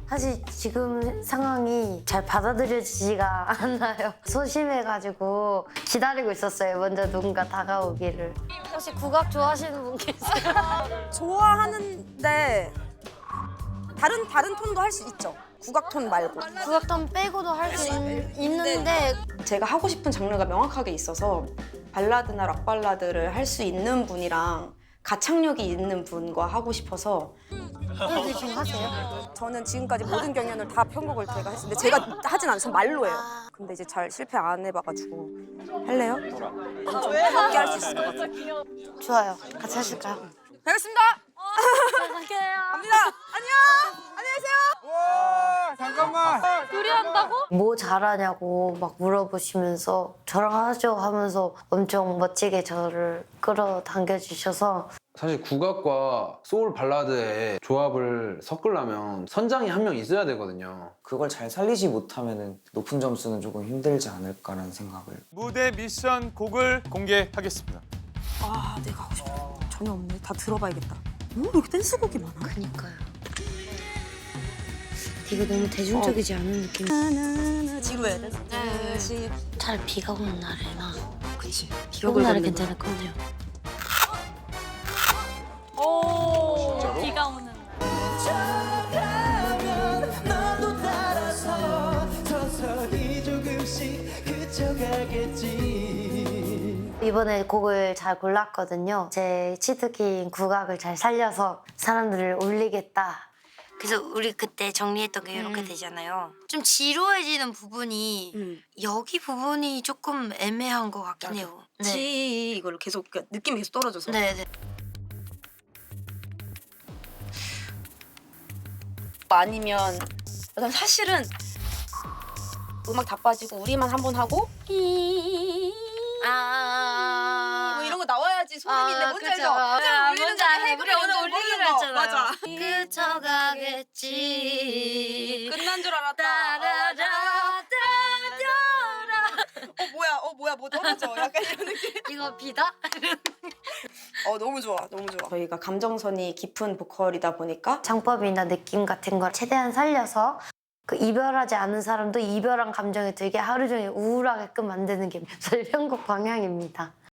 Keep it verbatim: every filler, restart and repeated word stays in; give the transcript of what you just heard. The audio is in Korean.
사실 지금 상황이 잘 받아들여지지가 않아요. 소심해가지고 기다리고 있었어요. 먼저 누군가 다가오기를. 혹시 국악 좋아하시는 분 계세요? 좋아하는데 다른 다른 톤도 할 수 있죠. 국악 톤 말고. 국악단 빼고도 할 수 있는데 제가 하고 싶은 장르가 명확하게 있어서 발라드나 락 발라드를 할 수 있는 분이랑 가창력이 있는 분과 하고 싶어서. 그래도 지금 하세요? 저는 지금까지 모든 경연을 다 편곡을 제가 했는데 제가 하진 않아요. 전 말로 해요. 근데 이제 잘 실패 안 해봐가지고 할래요? 좀 함께 할 수 있을 것 같아요. 좋아요. 같이 하실까요? 되겠습니다. 갈게요. 갑니다. 안녕. 안녕히 계세요. 와 잠깐만. 뭐 잘하냐고 막 물어보시면서 저랑 하죠 하면서 엄청 멋지게 저를 끌어당겨 주셔서 사실 국악과 소울 발라드의 조합을 섞으려면 선장이 한 명 있어야 되거든요. 그걸 잘 살리지 못하면 높은 점수는 조금 힘들지 않을까라는 생각을. 무대 미션 곡을 공개하겠습니다. 아, 내가 하고 싶은 거 전혀 없네. 다 들어봐야겠다. 오, 왜 이렇게 댄스곡이 많아? 그니까요. 이게 너무 대중적이지 않은 느낌. 나나나 지루해. 댄스. 차라리 비가 오는 날에나. 그치. 비가 오는 날에 괜찮을 것 같아요. 오, 비가 오는 날. 이번에 곡을 잘 골랐거든요. 제 치트키인 국악을 잘 살려서 사람들을 울리겠다. 그래서 우리 그때 정리했던 게 이렇게 되잖아요. 좀 지루해지는 부분이 음. 여기 부분이 조금 애매한 것 같긴 맞아. 해요. 지 이걸 계속 그러니까 느낌이 계속 떨어져서. 네, 네. 아니면 난 사실은 음악 다 빠지고 우리만 한 번 하고 아, 뭐 이런 거 나와야지 소름인데 아, 뭔지 그쵸. 알죠? 아, 오늘 울리는 뭔지 자리 알아요. 헤이브리 우리 오늘 먼저 울리기로 부르는 거. 했잖아요. 맞아. 그쳐가겠지. 끝난 줄 알았다. 따라라, 따라라. 어 뭐야 어 뭐야 뭐 떨어져 약간 이런 느낌. 이거 비다? 어 너무 좋아 너무 좋아. 저희가 감정선이 깊은 보컬이다 보니까 장법이나 느낌 같은 걸 최대한 살려서 그 이별하지 않은 사람도 이별한 감정이 들게 하루 종일 우울하게끔 만드는 게 저희 편곡 방향입니다.